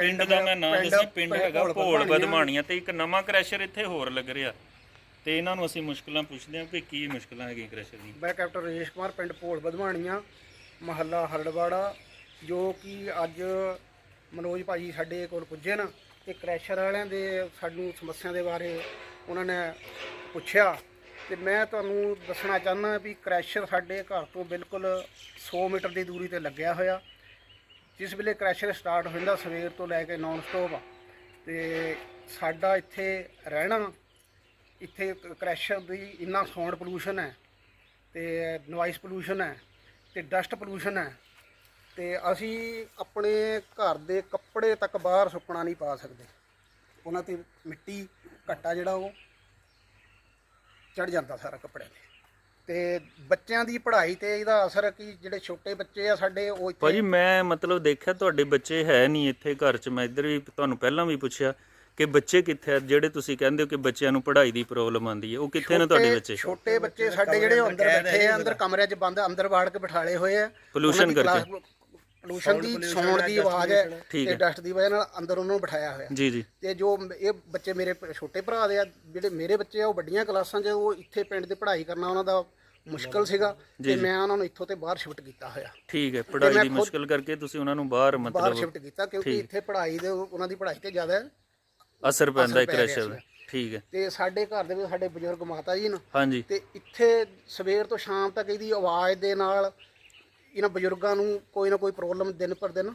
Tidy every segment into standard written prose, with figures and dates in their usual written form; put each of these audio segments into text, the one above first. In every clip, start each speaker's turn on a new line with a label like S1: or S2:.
S1: ਪਿੰਡ ਦਾ ਮੈਂ ਨਾਮ ਦੱਸਿਆ, ਪਿੰਡ ਹੈਗਾ ਭੋਲ ਬਦਮਾਣੀਆਂ ਤੇ ਇੱਕ ਨਵਾਂ ਕ੍ਰੈਸ਼ਰ ਇੱਥੇ ਹੋਰ ਲੱਗ ਰਿਹਾ ਤੇ ਇਹਨਾਂ ਨੂੰ ਅਸੀਂ ਮੁਸ਼ਕਲਾਂ ਪੁੱਛਦੇ ਹਾਂ ਵੀ ਕੀ ਮੁਸ਼ਕਲਾਂ ਹੈਗੀਆਂ ਕ੍ਰੈਸ਼ਰ ਦੀਆਂ।
S2: ਮੈਂ ਕੈਪਟਨ ਰਜੇਸ਼ ਕੁਮਾਰ, ਪਿੰਡ ਭੋਲ ਬਦਮਾਣੀਆਂ, ਮਹੱਲਾ ਹਰੜਵਾੜਾ, ਜੋ ਕਿ ਅੱਜ ਮਨੋਜ ਭਾਜੀ ਸਾਡੇ ਕੋਲ ਪੁੱਜੇ ਨਾ ਤੇ ਕ੍ਰੈਸ਼ਰ ਵਾਲਿਆਂ ਦੇ ਸਾਨੂੰ ਸਮੱਸਿਆ ਦੇ ਬਾਰੇ ਉਹਨਾਂ ਨੇ ਪੁੱਛਿਆ ਤੇ ਮੈਂ ਤੁਹਾਨੂੰ ਦੱਸਣਾ ਚਾਹੁੰਦਾ ਵੀ ਕ੍ਰੈਸ਼ਰ ਸਾਡੇ ਘਰ ਤੋਂ ਬਿਲਕੁਲ 100 ਮੀਟਰ ਦੀ ਦੂਰੀ ਤੇ ਲੱਗਿਆ ਹੋਇਆ। ਜਿਸ ਵੇਲੇ ਕ੍ਰੈਸ਼ਰ ਸਟਾਰਟ ਹੋ ਜਾਂਦਾ ਸਵੇਰ ਤੋਂ ਲੈ ਕੇ ਨਾਨ ਸਟਾਪ ਤੇ ਸਾਡਾ ਇੱਥੇ ਰਹਿਣਾ, ਇੱਥੇ ਕ੍ਰੈਸ਼ਰ ਦੀ ਇੰਨਾ ਸਾਊਂਡ ਪੋਲੂਸ਼ਨ ਹੈ ਤੇ ਨੋਇਸ ਪੋਲੂਸ਼ਨ ਹੈ ਤੇ ਡਸਟ ਪੋਲੂਸ਼ਨ ਹੈ ਤੇ ਅਸੀਂ ਆਪਣੇ ਘਰ ਦੇ ਕੱਪੜੇ ਤੱਕ ਬਾਹਰ ਸੁੱਕਣਾ ਨਹੀਂ ਪਾ ਸਕਦੇ। ਉਹਨਾਂ ਤੇ ਮਿੱਟੀ ਘੱਟਾ ਜਿਹੜਾ ਉਹ ਚੜ ਜਾਂਦਾ ਸਾਰਾ ਕੱਪੜਿਆਂ ਤੇ ਬੱਚਿਆਂ ਦੀ ਪੜ੍ਹਾਈ ਤੇ ਇਹਦਾ ਅਸਰ ਕਿ ਜਿਹੜੇ ਛੋਟੇ ਬੱਚੇ ਆ ਸਾਡੇ ਉਹ ਇੱਥੇ।
S1: ਭਾਜੀ ਮੈਂ ਮਤਲਬ ਦੇਖਿਆ ਤੁਹਾਡੇ ਬੱਚੇ ਹੈ ਨਹੀਂ ਇੱਥੇ ਘਰ 'ਚ, ਮੈਂ ਇੱਧਰ ਵੀ ਤੁਹਾਨੂੰ ਪਹਿਲਾਂ ਵੀ ਪੁੱਛਿਆ ਕਿ ਬੱਚੇ ਕਿੱਥੇ ਆ ਜਿਹੜੇ ਤੁਸੀਂ ਕਹਿੰਦੇ ਹੋ ਕਿ ਬੱਚਿਆਂ ਨੂੰ ਪੜ੍ਹਾਈ ਦੀ ਪ੍ਰੋਬਲਮ ਆਉਂਦੀ ਹੈ, ਉਹ ਕਿੱਥੇ ਨੇ ਤੁਹਾਡੇ ਬੱਚੇ?
S2: ਛੋਟੇ ਬੱਚੇ ਸਾਡੇ ਜਿਹੜੇ ਅੰਦਰ ਬੈਠੇ ਆ, ਅੰਦਰ ਕਮਰਿਆਂ 'ਚ ਬੰਦ ਅੰਦਰ ਵਾੜ ਕੇ ਬਿਠਾਲੇ ਹੋਏ ਆ
S1: ਪੋਲੂਸ਼ਨ ਕਰਕੇ,
S2: ਪੋਲੂਸ਼ਨ ਦੀ ਸਾਊਂਡ ਦੀ ਆਵਾਜ਼ ਹੈ ਤੇ ਡਸਟ ਦੀ ਵਜ੍ਹਾ ਨਾਲ ਅੰਦਰ ਉਹਨਾਂ ਨੂੰ ਬਿਠਾਇਆ ਹੋਇਆ
S1: ਜੀ ਜੀ।
S2: ਤੇ ਜੋ ਇਹ ਬੱਚੇ ਮੇਰੇ ਛੋਟੇ ਭਰਾ ਦੇ ਆ, ਜਿਹੜੇ ਮੇਰੇ ਬੱਚੇ ਆ ਉਹ ਵੱਡੀਆਂ ਕਲਾਸਾਂ 'ਚ, ਉਹ ਇੱਥੇ ਪਿੰਡ ਦੇ ਪੜ੍ਹਾਈ ਕਰਨਾ ਉਹਨਾਂ ਦਾ ਮੁਸ਼ਕਲ ਸੀਗਾ ਤੇ ਮੈਂ ਉਹਨਾਂ ਨੂੰ ਇੱਥੋਂ ਤੇ ਬਾਹਰ ਸ਼ਿਫਟ ਕੀਤਾ ਹੋਇਆ।
S1: ਠੀਕ ਹੈ, ਪੜ੍ਹਾਈ ਦੀ ਮੁਸ਼ਕਲ ਕਰਕੇ ਤੁਸੀਂ ਉਹਨਾਂ ਨੂੰ ਬਾਹਰ ਮਤਲਬ
S2: ਸ਼ਿਫਟ ਕੀਤਾ ਕਿਉਂਕਿ ਇੱਥੇ ਪੜ੍ਹਾਈ ਦੇ ਉਹਨਾਂ ਦੀ ਪੜ੍ਹਾਈ ਤੇ ਜ਼ਿਆਦਾ
S1: ਅਸਰ ਪੈਂਦਾ ਹੈ ਕ੍ਰੈਸ਼ਰ ਦਾ। ਠੀਕ ਹੈ।
S2: ਤੇ ਸਾਡੇ ਘਰ ਦੇ ਵਿੱਚ ਸਾਡੇ ਬਜ਼ੁਰਗ ਮਾਤਾ ਜੀ ਨੇ,
S1: ਹਾਂਜੀ,
S2: ਤੇ ਇੱਥੇ ਸਵੇਰ ਤੋਂ ਸ਼ਾਮ ਤੱਕ ਇਹਦੀ ਆਵਾਜ਼ ਦੇ ਨਾਲ ਇਹਨਾਂ ਬਜ਼ੁਰਗਾਂ ਨੂੰ ਕੋਈ ਨਾ ਕੋਈ ਪ੍ਰੋਬਲਮ ਦਿਨ ਪਰ ਦਿਨ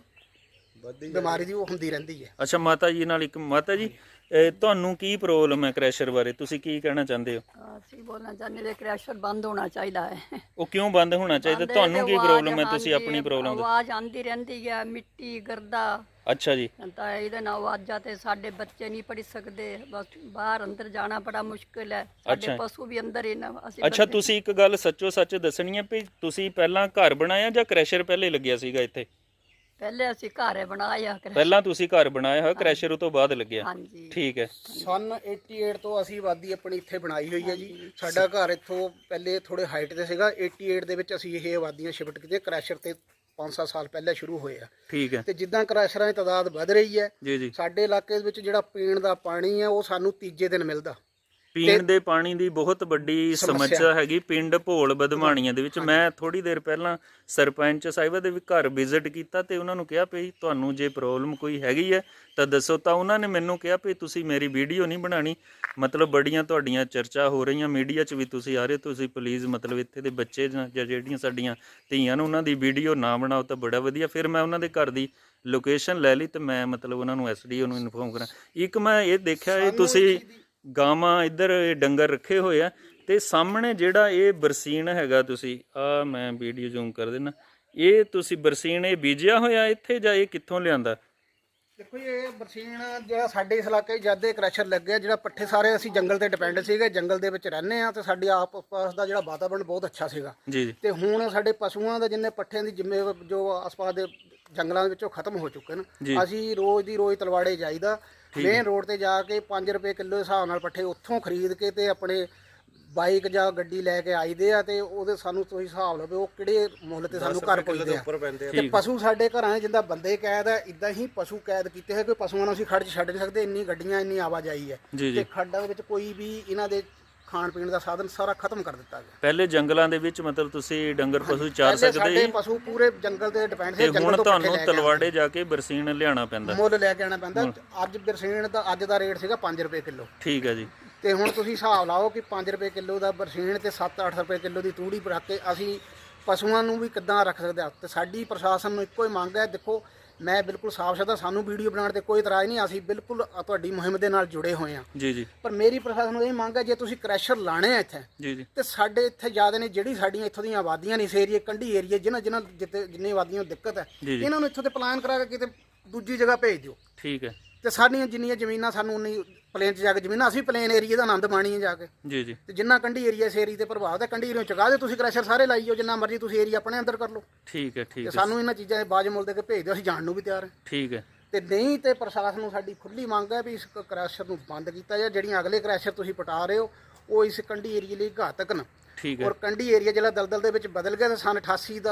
S2: ਬਿਮਾਰੀ ਦੀ ਉਹ ਹੁੰਦੀ ਰਹਿੰਦੀ ਹੈ।
S1: ਅੱਛਾ, ਮਾਤਾ ਜੀ ਨਾਲ ਇੱਕ ਮਾਤਾ ਜੀ ਤੁਹਾਨੂੰ ਕੀ ਪ੍ਰੋਬਲਮ ਹੈ ਕ੍ਰੈਸ਼ਰ ਬਾਰੇ, ਤੁਸੀਂ ਕੀ ਕਹਿਣਾ ਚਾਹੁੰਦੇ ਹੋ?
S3: ਅਸੀਂ ਬੋਲਣਾ ਚਾਹੁੰਦੇ ਨੇ ਕ੍ਰੈਸ਼ਰ ਬੰਦ ਹੋਣਾ ਚਾਹੀਦਾ ਹੈ।
S1: ਉਹ ਕਿਉਂ ਬੰਦ ਹੋਣਾ ਚਾਹੀਦਾ? ਤੁਹਾਨੂੰ ਕੀ ਪ੍ਰੋਬਲਮ ਹੈ? ਤੁਸੀਂ ਆਪਣੀ ਪ੍ਰੋਬਲਮ ਦੱਸੋ।
S3: ਆਵਾਜ਼ ਆਉਂਦੀ ਰਹਿੰਦੀ ਹੈ, ਮਿੱਟੀ ਗਰਦਾ।
S1: ਅੱਛਾ ਜੀ।
S3: ਤਾਂ ਇਹਦੇ ਨਾਲ ਆਵਾਜ਼ਾਂ ਤੇ ਸਾਡੇ ਬੱਚੇ ਨਹੀਂ ਪੜ੍ਹ ਸਕਦੇ, ਬਸ ਬਾਹਰ ਅੰਦਰ ਜਾਣਾ ਬੜਾ ਮੁਸ਼ਕਿਲ ਹੈ। ਸਾਡੇ ਪਸ਼ੂ ਵੀ ਅੰਦਰ ਹੀ ਨਾ। ਅਸੀਂ
S1: ਅੱਛਾ, ਤੁਸੀਂ ਇੱਕ ਗੱਲ ਸੱਚੋ ਸੱਚ ਦੱਸਣੀ ਹੈ ਵੀ ਤੁਸੀਂ ਪਹਿਲਾਂ ਘਰ ਬਣਾਇਆ ਜਾਂ ਕ੍ਰੈਸ਼ਰ ਪਹਿਲੇ ਲੱਗਿਆ ਸੀਗਾ ਇੱਥੇ?
S3: ਪਹਿਲੇ ਅਸੀਂ ਘਰ ਬਣਾਇਆ।
S1: ਪਹਿਲਾਂ ਤੁਸੀਂ ਘਰ ਬਣਾਇਆ ਹੋਇਆ, ਕ੍ਰੈਸ਼ਰ ਉਹ ਤੋਂ ਬਾਅਦ ਲੱਗਿਆ?
S3: ਹਾਂਜੀ,
S1: ਠੀਕ ਹੈ।
S2: ਸਨ 88 ਤੋਂ ਅਸੀਂ ਆਬਾਦੀ ਆਪਣੀ ਇੱਥੇ ਬਣਾਈ ਹੋਈ ਹੈ ਜੀ। ਸਾਡਾ ਘਰ ਇੱਥੋਂ ਪਹਿਲੇ ਥੋੜੇ ਹਾਈਟ ਤੇ ਸੀਗਾ। 88 ਦੇ ਵਿੱਚ ਅਸੀਂ ਇਹ ਆਬਾਦੀਆਂ ਸ਼ਿਫਟ ਕੀਤੀਆਂ। ਕ੍ਰੈਸ਼ਰ ਤੇ 5-7 ਸਾਲ ਪਹਿਲਾਂ ਸ਼ੁਰੂ ਹੋਏ ਆ।
S1: ਠੀਕ ਹੈ।
S2: ਤੇ ਜਿੱਦਾਂ ਕ੍ਰੈਸ਼ਰਾਂ ਦੀ ਤਾਦਾਦ ਵੱਧ ਰਹੀ ਹੈ
S1: ਜੀ ਜੀ,
S2: ਸਾਡੇ ਇਲਾਕੇ ਦੇ ਵਿੱਚ ਜਿਹੜਾ ਪੀਣ ਦਾ ਪਾਣੀ ਹੈ ਉਹ ਸਾਨੂੰ ਤੀਜੇ ਦਿਨ ਮਿਲਦਾ।
S1: ਪੀਣ ਦੇ ਪਾਣੀ ਦੀ ਬਹੁਤ ਵੱਡੀ ਸਮੱਸਿਆ ਹੈਗੀ ਪਿੰਡ ਭੋਲ ਬਦਮਾਣੀਆਂ ਦੇ ਵਿੱਚ। ਮੈਂ ਥੋੜੀ ਦੇਰ ਪਹਿਲਾਂ ਸਰਪੰਚ ਸਾਹਿਬਾ ਦੇ ਵੀ ਘਰ ਵਿਜ਼ਿਟ ਕੀਤਾ ਤੇ ਉਹਨਾਂ ਨੂੰ ਕਿਹਾ ਵੀ ਤੁਹਾਨੂੰ ਜੇ ਪ੍ਰੋਬਲਮ ਕੋਈ ਹੈਗੀ ਹੈ ਤਾਂ ਦੱਸੋ। ਤਾਂ ਉਹਨਾਂ ਨੇ ਮੈਨੂੰ ਕਿਹਾ ਵੀ ਤੁਸੀਂ ਮੇਰੀ ਵੀਡੀਓ ਨਹੀਂ ਬਣਾਉਣੀ, ਮਤਲਬ ਬੜੀਆਂ ਤੁਹਾਡੀਆਂ ਚਰਚਾ ਹੋ ਰਹੀਆਂ, ਮੀਡੀਆ 'ਚ ਵੀ ਤੁਸੀਂ ਆ ਰਹੇ, ਤੁਸੀਂ ਪਲੀਜ਼ ਮਤਲਬ ਇੱਥੇ ਦੇ ਬੱਚੇ ਜਾਂ ਜਿਹੜੀਆਂ ਸਾਡੀਆਂ ਧੀਆਂ ਨੂੰ ਉਹਨਾਂ ਦੀ ਵੀਡੀਓ ਨਾ ਬਣਾਓ ਤਾਂ ਬੜਾ ਵਧੀਆ। ਫਿਰ ਮੈਂ ਉਹਨਾਂ ਦੇ ਘਰ ਦੀ ਲੋਕੇਸ਼ਨ ਲੈ ਲਈ ਤੇ ਮੈਂ ਮਤਲਬ ਉਹਨਾਂ ਨੂੰ SDO ਨੂੰ ਇਨਫੋਰਮ ਕਰਾਂ। ਇੱਕ ਮੈਂ ਇਹ ਦੇਖਿਆ ਇਹ ਤੁਸੀਂ ਗਾਵਾਂ ਇੱਧਰ ਡੰਗਰ ਰੱਖੇ ਹੋਏ ਆ ਤੇ ਸਾਹਮਣੇ ਜਿਹੜਾ ਇਹ ਬਰਸੀਨ ਹੈਗਾ, ਤੁਸੀਂ ਆ ਮੈਂ ਵੀਡੀਓ ਜ਼ੂਮ ਕਰ ਦੇਣਾ, ਇਹ ਤੁਸੀਂ ਬਰਸੀਨ ਇਹ ਬੀਜਿਆ ਹੋਇਆ ਇੱਥੇ ਜਾਂ ਇਹ ਕਿੱਥੋਂ ਲਿਆਂਦਾ?
S2: ਦੇਖੋ ਜੀ, ਇਹ ਬਰਸੀਨ ਜਿਹੜਾ ਸਾਡੇ ਇਸ ਇਲਾਕੇ ਜਦ ਦੇ ਕ੍ਰੈਸ਼ਰ ਲੱਗਿਆ, ਜਿਹੜਾ ਪੱਠੇ ਸਾਰੇ ਅਸੀਂ ਜੰਗਲ ਤੇ ਡਿਪੈਂਡ ਸੀਗੇ, ਜੰਗਲ ਦੇ ਵਿੱਚ ਰਹਿੰਦੇ ਆ ਤੇ ਸਾਡੀ ਆਪ ਪਾਸ ਦਾ ਜਿਹੜਾ ਵਾਤਾਵਰਨ ਬਹੁਤ ਅੱਛਾ ਸੀਗਾ
S1: ਜੀ।
S2: ਤੇ ਹੁਣ ਸਾਡੇ ਪਸ਼ੂਆਂ ਦੇ ਜਿੰਨੇ ਪੱਠਿਆਂ ਦੀ ਜਿੰਮੇ ਜੋ ਆਸ-ਪਾਸ ਦੇ ਜੰਗਲਾਂ ਦੇ ਵਿੱਚੋਂ ਖਤਮ ਹੋ ਚੁੱਕੇ ਨੇ। ਅਸੀਂ ਰੋਜ਼ ਦੀ ਰੋਜ਼ ਤਲਵਾੜੇ ਜਾਈਦਾ, ਮੇਨ ਰੋਡ ਤੇ ਜਾ ਕੇ 5 ਰੁਪਏ ਕਿਲੋ ਦੇ ਹਿਸਾਬ ਨਾਲ ਪੱਠੇ ਉੱਥੋਂ ਖਰੀਦ ਕੇ ਤੇ ਆਪਣੇ ਬਾਈਕ ਜਾਂ ਗੱਡੀ ਲੈ ਕੇ ਆਈਦੇ ਆ ਤੇ ਉਹਦੇ ਸਾਨੂੰ ਤੁਸੀਂ ਹਿਸਾਬ ਲਓ ਉਹ ਕਿਹੜੇ ਮੁੱਲ ਤੇ ਸਾਨੂੰ ਘਰ ਪਹੁੰਚਦੇ ਆ। ਤੇ ਪਸ਼ੂ ਸਾਡੇ ਘਰਾਂ 'ਚ ਜਿੱਦਾਂ ਬੰਦੇ ਕੈਦ ਆ, ਇਦਾਂ ਹੀ ਪਸ਼ੂ ਕੈਦ ਕੀਤੇ ਹੋਏ। ਕੋਈ ਪਸ਼ੂਆਂ ਨੂੰ ਅਸੀਂ ਖੱਡ 'ਚ ਛੱਡ ਨਹੀਂ ਸਕਦੇ, ਇੰਨੀ ਗੱਡੀਆਂ ਇੰਨੀ ਆਵਾਜਾਈ ਹੈ ਤੇ ਖੱਡਾਂ ਦੇ ਵਿੱਚ ਕੋਈ ਵੀ ਇਹਨਾਂ ਦੇ ਖਾਣ ਪੀਣ ਦਾ ਸਾਧਨ ਸਾਰਾ ਖਤਮ ਕਰ ਦਿੱਤਾ ਗਿਆ।
S1: ਪਹਿਲੇ ਜੰਗਲਾਂ ਦੇ ਵਿੱਚ ਮਤਲਬ ਤੁਸੀਂ ਡੰਗਰ ਪਸ਼ੂ ਚਾਰ ਸਕਦੇ
S2: ਸਾਡੇ ਪਸ਼ੂ ਪੂਰੇ ਜੰਗਲ ਤੇ ਡਿਪੈਂਡ ਸੀ।
S1: ਹੁਣ ਤੁਹਾਨੂੰ ਤਲਵਾੜੇ ਜਾ ਕੇ ਬਰਸੀਨ ਲਿਆਉਣਾ ਪੈਂਦਾ,
S2: ਮੁੱਲ ਲੈ ਕੇ ਆਉਣਾ ਪੈਂਦਾ। ਅੱਜ ਬਰਸੀਨ ਦਾ ਅੱਜ ਦਾ ਰੇਟ ਸੀਗਾ 5 ਰੁਪਏ ਕਿਲੋ।
S1: ਠੀਕ ਹੈ ਜੀ।
S2: ਤੇ ਹੁਣ ਤੁਸੀਂ ਹਿਸਾਬ ਲਾਓ ਕਿ 5 ਰੁਪਏ ਕਿਲੋ ਦਾ ਬਰਸੀਨ ਤੇ 7-8 ਰੁਪਏ ਕਿਲੋ ਦੀ ਤੂੜੀ ਰੱਖ ਕੇ ਅਸੀਂ ਪਸ਼ੂਆਂ ਨੂੰ ਵੀ ਕਿੱਦਾਂ ਰੱਖ ਸਕਦੇ ਹਾਂ। ਤੇ ਸਾਡੀ ਪ੍ਰਸ਼ਾਸਨ ਨੂੰ ਇੱਕੋ ਹੀ ਮੰਗ ਹੈ, ਦੇਖੋ ਮੈਂ ਬਿਲਕੁਲ ਸਾਫ਼ ਸ਼ਬਦਾਂ ਸਾਨੂੰ ਵੀਡੀਓ ਬਣਾਉਣ ਤੇ ਕੋਈ ਇਤਰਾਜ਼ ਨਹੀਂ, ਅਸੀਂ ਬਿਲਕੁਲ ਤੁਹਾਡੀ ਮੁਹਿੰਮ ਦੇ ਨਾਲ ਜੁੜੇ ਹੋਏ ਹਾਂ
S1: ਜੀ ਜੀ।
S2: ਪਰ ਮੇਰੀ ਪ੍ਰਸ਼ਾਸਨ ਨੂੰ ਇਹ ਮੰਗ ਹੈ, ਜੇ ਤੁਸੀਂ ਕ੍ਰੈਸ਼ਰ ਲਾਣੇ ਆ ਇੱਥੇ
S1: ਜੀ ਜੀ
S2: ਤੇ ਸਾਡੇ ਇੱਥੇ ਜ਼ਿਆਦਾ ਨੇ ਜਿਹੜੀ ਸਾਡੀਆਂ ਇੱਥੋਂ ਦੀਆਂ ਆਬਾਦੀਆਂ ਨੇ ਇਸ ਏਰੀਏ ਕੰਢੀ ਏਰੀਏ ਜਿੰਨੇ ਆਬਾਦੀਆਂ ਨੂੰ ਦਿੱਕਤ ਹੈ, ਇਹਨਾਂ ਨੂੰ ਇੱਥੋਂ ਤੇ ਪਲਾਨ ਕਰਾ ਕੇ ਕਿਤੇ ਦੂਜੀ ਜਗ੍ਹਾ ਭੇਜ ਦਿਓ।
S1: ਠੀਕ ਹੈ।
S2: ਤੇ ਸਾਡੀਆਂ ਜਿੰਨੀਆਂ ਜ਼ਮੀਨਾਂ ਸਾਨੂੰ ਉਨੀ ਪਲੇਨ 'ਚ ਜਾ ਕੇ ਜ਼ਮੀਨਾਂ, ਅਸੀਂ ਪਲੇਨ ਏਰੀਏ ਦਾ ਆਨੰਦ ਮਾਣੀਏ ਜਾ ਕੇ।
S1: ਜੀ ਜੀ।
S2: ਤੇ ਜਿੰਨਾ ਕੰਢੀ ਏਰੀਆ ਇਸ ਏਰੀਏ ਤੇ ਪ੍ਰਭਾਵ ਹੈ, ਕੰਢੀ ਏਰੀਆ ਚੁਕਾ ਦਿਓ ਤੁਸੀਂ, ਕ੍ਰੈਸ਼ਰ ਸਾਰੇ ਲਾਈ ਜਾਓ, ਜਿੰਨਾ ਮਰਜ਼ੀ ਤੁਸੀਂ ਏਰੀਆ ਆਪਣੇ ਅੰਦਰ ਕਰ ਲਓ।
S1: ਠੀਕ ਹੈ ਠੀਕ ਹੈ।
S2: ਤੇ ਸਾਨੂੰ ਇਹਨਾਂ ਚੀਜ਼ਾਂ ਦੇ ਬਾਜ ਮੁੱਲ ਦੇ ਕੇ ਭੇਜ ਦਿਓ, ਅਸੀਂ ਜਾਣ ਨੂੰ ਵੀ ਤਿਆਰ ਹਾਂ।
S1: ਠੀਕ ਹੈ।
S2: ਤੇ ਨਹੀਂ ਤੇ ਪ੍ਰਸ਼ਾਸਨ ਨੂੰ ਸਾਡੀ ਖੁੱਲੀ ਮੰਗ ਹੈ ਵੀ ਇਸ ਕ੍ਰੈਸ਼ਰ ਨੂੰ ਬੰਦ ਕੀਤਾ ਜਾਏ। ਜਿਹੜੀਆਂ ਅਗਲੇ ਕ੍ਰੈਸ਼ਰ ਤੁਸੀਂ ਪਟਾ ਰਹੇ ਹੋ ਉਹ ਇਸ ਕੰਢੀ ਏਰੀਏ ਲਈ ਘਾਤਕ ਨੇ।
S1: ਠੀਕ ਹੈ।
S2: ਔਰ ਕੰਢੀ ਏਰੀਆ ਜਿਹੜਾ ਦਲਦਲ ਦੇ ਵਿੱਚ ਬਦਲ ਗਿਆ ਤੇ ਸਨ 88 ਦਾ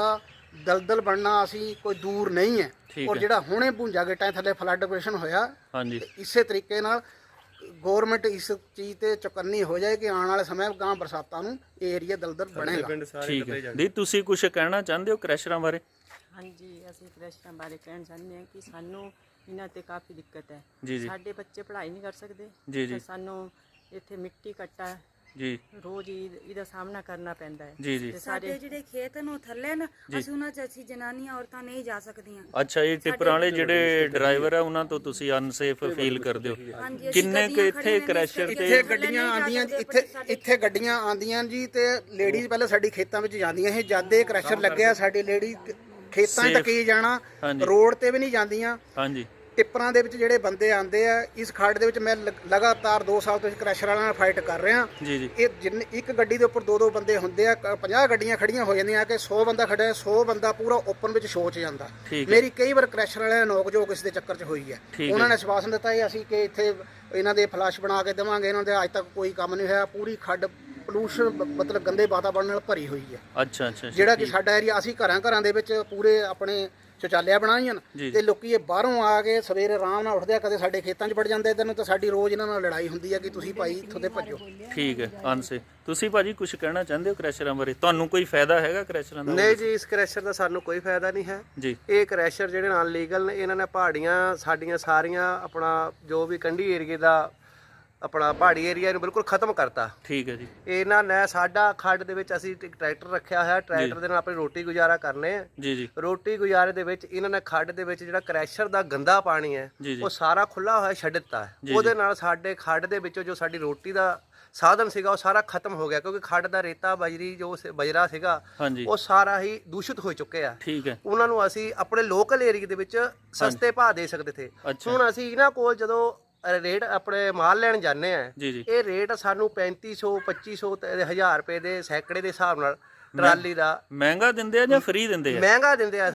S2: ਦਲਦਲ ਬਣਨਾ ਅਸੀਂ ਕੋਈ ਦੂਰ ਨਹੀਂ ਹੈ।
S1: ਠੀਕ
S2: ਔਰ
S1: ਹੈ।
S2: ਜਿਹੜਾ ਹੁਣੇ ਭੁੰਜਾ ਗੇਟਾਂ ਥੱਲੇ ਫਲੱਡ ਆਪਰੇਸ਼ਨ ਹੋਇਆ,
S1: ਹਾਂਜੀ
S2: ਇਸੇ ਤਰੀਕੇ ਨਾਲ ਗਵਰਨਮੈਂਟ ਇਸ ਚੀਜ਼ ਤੇ ਚੁਕੰਨੀ ਹੋ ਜਾਏ ਕਿ ਆਉਣ ਵਾਲੇ ਸਮੇਂ ਗਾਂ ਬਰਸਾਤਾਂ ਨੂੰ ਇਹ ਏਰੀਆ ਦਲਦਲ ਬਣੇਗਾ।
S1: ਠੀਕ ਹੈ ਦੀ ਤੁਸੀਂ ਕੁਝ ਕਹਿਣਾ ਚਾਹੁੰਦੇ ਹੋ ਕ੍ਰੈਸ਼ਰਾਂ ਬਾਰੇ?
S4: ਹਾਂਜੀ, ਅਸੀਂ ਕ੍ਰੈਸ਼ਰਾਂ ਬਾਰੇ ਕਹਿਣਾ ਚਾਹੁੰਦੇ ਹਾਂ ਕਿ ਸਾਨੂੰ ਇਹਨਾਂ ਤੇ ਕਾਫੀ ਦਿੱਕਤ ਹੈ।
S1: ਜੀ ਜੀ
S4: ਸਾਡੇ ਬੱਚੇ ਪੜ੍ਹਾਈ ਨਹੀਂ ਕਰ ਸਕਦੇ
S1: ਜੀ ਜੀ
S4: ਤੇ ਸਾਨੂੰ ਇੱਥੇ ਮਿੱਟੀ ਕੱਟਾ
S1: ਜੀ
S4: ਰੋਜ਼ ਹੀ ਇਹਦਾ ਸਾਹਮਣਾ ਕਰਨਾ ਪੈਂਦਾ ਹੈ
S1: ਜੀ ਜੀ
S4: ਤੇ
S5: ਸਾਡੇ ਜਿਹੜੇ ਖੇਤ ਨੂੰ ਥੱਲੇ ਨਾ ਅਸੀਂ ਉਹਨਾਂ 'ਚ ਅਸੀਂ ਜਨਾਨੀਆਂ ਔਰਤਾਂ ਨਹੀਂ ਜਾ ਸਕਦੀਆਂ।
S1: ਅੱਛਾ ਇਹ ਟਿੱਪਰਾਂ ਵਾਲੇ ਜਿਹੜੇ ਡਰਾਈਵਰ ਆ ਉਹਨਾਂ ਤੋਂ ਤੁਸੀਂ ਅਨਸੇਫ ਫੀਲ ਕਰਦੇ ਹੋ?
S5: ਹਾਂਜੀ, ਅਸੀਂ
S1: ਕਿੰਨੇ ਕੁ
S5: ਗੱਡੀਆਂ
S1: ਇੱਥੇ
S5: ਖੜੀਆਂ ਨੇ,
S1: ਕ੍ਰੈਸ਼ਰ
S2: ਇੱਥੇ
S1: ਤੇ
S2: ਗੱਡੀਆਂ ਆਉਂਦੀਆਂ ਇੱਥੇ ਗੱਡੀਆਂ ਆਉਂਦੀਆਂ ਜੀ ਤੇ ਲੇਡੀਜ਼ ਪਹਿਲਾਂ ਸਾਡੀ ਖੇਤਾਂ ਵਿੱਚ ਜਾਂਦੀਆਂ ਸੀ। ਜਦ ਇਹ ਕ੍ਰੈਸ਼ਰ ਲੱਗਿਆ ਸਾਡੀ ਲੇਡੀ ਖੇਤਾਂ 'ਚ ਤੱਕ ਹੀ ਜਾਣਾ,
S1: ਹਾਂਜੀ।
S2: ਰੋਡ ਤੇ ਵੀ ਨਹੀਂ ਜਾਂਦੀਆਂ।
S1: ਹਾਂਜੀ
S2: ਟਿੱਪਰਾਂ ਦੇ ਵਿੱਚ ਜਿਹੜੇ ਬੰਦੇ ਆਉਂਦੇ ਆ, ਇਸ ਖੱਡ ਦੇ ਵਿੱਚ ਮੈਂ ਲਗਾਤਾਰ 2 ਸਾਲ ਤੋਂ ਇਸ ਕ੍ਰੈਸ਼ਰ ਵਾਲਿਆਂ ਨਾਲ ਫਾਈਟ ਕਰ ਰਿਹਾ।
S1: ਜੀ ਜੀ
S2: ਇਹ ਜਿੰਨੇ ਇੱਕ ਗੱਡੀ ਦੇ ਉੱਪਰ 2-2 ਬੰਦੇ ਹੁੰਦੇ ਆ, 50 ਗੱਡੀਆਂ ਖੜੀਆਂ ਹੋ ਜਾਂਦੀਆਂ ਕਿ 100 ਬੰਦਾ ਖੜਿਆ, 100 ਬੰਦਾ ਪੂਰਾ ਓਪਨ ਵਿੱਚ ਸ਼ੋਅ 'ਚ ਜਾਂਦਾ।
S1: ਠੀਕ ਹੈ।
S2: ਮੇਰੀ ਕਈ ਵਾਰ ਕ੍ਰੈਸ਼ਰ ਵਾਲਿਆਂ ਨੇ ਨੋਕ ਝੋਕ ਇਸ ਦੇ ਚੱਕਰ 'ਚ ਹੋਈ ਹੈ।
S1: ਠੀਕ
S2: ਉਹਨਾਂ
S1: ਹੈ।
S2: ਨੇ ਵਿਸ਼ਵਾਸ ਦਿੱਤਾ ਸੀ ਅਸੀਂ ਕਿ ਇੱਥੇ ਇਹਨਾਂ ਦੇ ਫਲੱਸ਼ ਬਣਾ ਕੇ ਦੇਵਾਂਗੇ, ਇਹਨਾਂ ਦੇ ਅੱਜ ਤੱਕ ਕੋਈ ਕੰਮ ਨਹੀਂ ਹੋਇਆ। ਪੂਰੀ ਖੱਡ ਪੋਲੂਸ਼ਨ ਮਤਲਬ ਗੰਦੇ ਵਾਤਾਵਰਣ ਨਾਲ ਭਰੀ ਹੋਈ ਹੈ।
S1: ਅੱਛਾ ਅੱਛਾ
S2: ਜਿਹੜਾ ਕਿ ਸਾਡਾ ਏਰੀਆ ਅਸੀਂ ਘਰਾਂ ਦੇ ਵਿੱਚ ਪੂਰੇ ਆਪਣੇ ਸ਼ੌਚਾਲਿਆ ਬਣਾਈਆਂ
S1: ਜੀ।
S2: ਤੇ ਲੋਕੀ ਇਹ ਬਾਹਰੋਂ ਆ ਕੇ ਸਵੇਰੇ ਆਰਾਮ ਨਾਲ ਉੱਠਦੇ ਆ, ਕਦੇ ਸਾਡੇ ਖੇਤਾਂ 'ਚ ਵੜ ਜਾਂਦੇ ਇੱਧਰ ਨੂੰ, ਤਾਂ ਸਾਡੀ ਰੋਜ਼ ਇਹਨਾਂ ਨਾਲ ਲੜਾਈ ਹੁੰਦੀ ਹੈ ਕਿ ਤੁਸੀਂ ਭਾਈ ਇੱਥੋਂ ਦੇ ਭੱਜੋ।
S1: ਠੀਕ ਹੈ ਅਨਸੇ ਤੁਸੀਂ ਭਾਜੀ ਕੁਝ ਕਹਿਣਾ ਚਾਹੁੰਦੇ ਹੋ ਕ੍ਰੈਸ਼ਰਾਂ ਬਾਰੇ? ਤੁਹਾਨੂੰ ਕੋਈ ਫਾਇਦਾ ਹੈਗਾ ਕ੍ਰੈਸ਼ਰਾਂ ਦਾ?
S6: ਨਹੀਂ ਜੀ, ਇਸ ਕ੍ਰੈਸ਼ਰ ਦਾ ਸਾਨੂੰ ਕੋਈ ਫਾਇਦਾ ਨਹੀਂ ਹੈ।
S1: ਜੀ
S6: ਇਹ ਕ੍ਰੈਸ਼ਰ ਜਿਹੜੇ ਨਾਲ ਲੀਗਲ ਨੇ, ਇਹਨਾਂ ਨੇ ਪਹਾੜੀਆਂ ਸਾਡੀਆਂ ਸਾਰੀਆਂ ਆਪਣਾ ਜੋ ਵੀ ਕੰਢੀ ਏਰੀਏ ਦਾ ਆਪਣਾ ਪਹਾੜੀ ਏਰੀਆ ਨੂੰ ਬਿਲਕੁਲ ਖਤਮ ਕਰਤਾ।
S1: ਠੀਕ ਹੈ ਜੀ
S6: ਇਹਨਾਂ ਨੇ ਸਾਡਾ ਖੱਡ ਦੇ ਵਿੱਚ ਅਸੀਂ ਇੱਕ ਟਰੈਕਟਰ ਰੱਖਿਆ ਹੋਇਆ, ਟਰੈਕਟਰ ਦੇ ਨਾਲ ਆਪਣੀ ਰੋਟੀ ਗੁਜ਼ਾਰਾ ਕਰਨੇ ਆ।
S1: ਜੀ ਜੀ
S6: ਰੋਟੀ ਗੁਜ਼ਾਰੇ ਦੇ ਵਿੱਚ ਇਹਨਾਂ ਨੇ ਖੱਡ ਦੇ ਵਿੱਚ ਜਿਹੜਾ ਕ੍ਰੈਸ਼ਰ ਦਾ ਗੰਦਾ ਪਾਣੀ ਹੈ
S1: ਜੀ ਜੀ
S6: ਉਹ ਸਾਰਾ ਖੁੱਲਾ ਹੋਇਆ ਛੱਡ ਦਿੱਤਾ ਹੈ।
S1: ਜੀ,
S6: ਉਹਦੇ ਨਾਲ ਸਾਡੇ ਖੱਡ ਦੇ ਵਿੱਚੋਂ ਜੋ ਸਾਡੀ ਰੋਟੀ ਦਾ ਸਾਧਨ ਸੀਗਾ ਉਹ ਸਾਰਾ ਖਤਮ ਹੋ ਗਿਆ, ਕਿਉਂਕਿ ਖੱਡ ਦਾ ਰੇਤਾ ਬਜਰੀ ਜੋ ਬਜਰਾ ਸੀਗਾ
S1: ਹਾਂਜੀ
S6: ਉਹ ਸਾਰਾ ਹੀ ਦੂਸ਼ਿਤ ਹੋ ਚੁੱਕਿਆ।
S1: ਠੀਕ ਹੈ
S6: ਉਹਨਾਂ ਨੂੰ ਅਸੀਂ ਆਪਣੇ ਲੋਕਲ ਏਰੀਆ ਦੇ ਵਿੱਚ ਸਸਤੇ ਭਾਅ ਦੇ ਸਕਦੇ ਥੇ।
S1: ਅੱਛਾ।
S6: ਹੁਣ ਅਸੀਂ ਇਹਨਾਂ ਕੋਲ ਜਦੋਂ ਰੇਟ ਆਪਣੇ ਮਾਲ ਲੈਣ ਜਾਂਦੇ ਆ,
S1: ਜੀ ਜੀ
S6: ਇਹ ਰੇਟ ਸਾਨੂੰ 3500 2500 ਤੇ 1000 ਰੁਪਏ ਦੇ ਸੈਂਕੜੇ ਦੇ ਹਿਸਾਬ ਨਾਲ ਟਰਾਲੀ ਦਾ
S1: ਮਹਿੰਗਾ ਦਿੰਦੇ ਆ ਜਾਂ ਫ੍ਰੀ ਦਿੰਦੇ ਆ?
S6: ਮਹਿੰਗਾ ਦਿੰਦੇ ਆ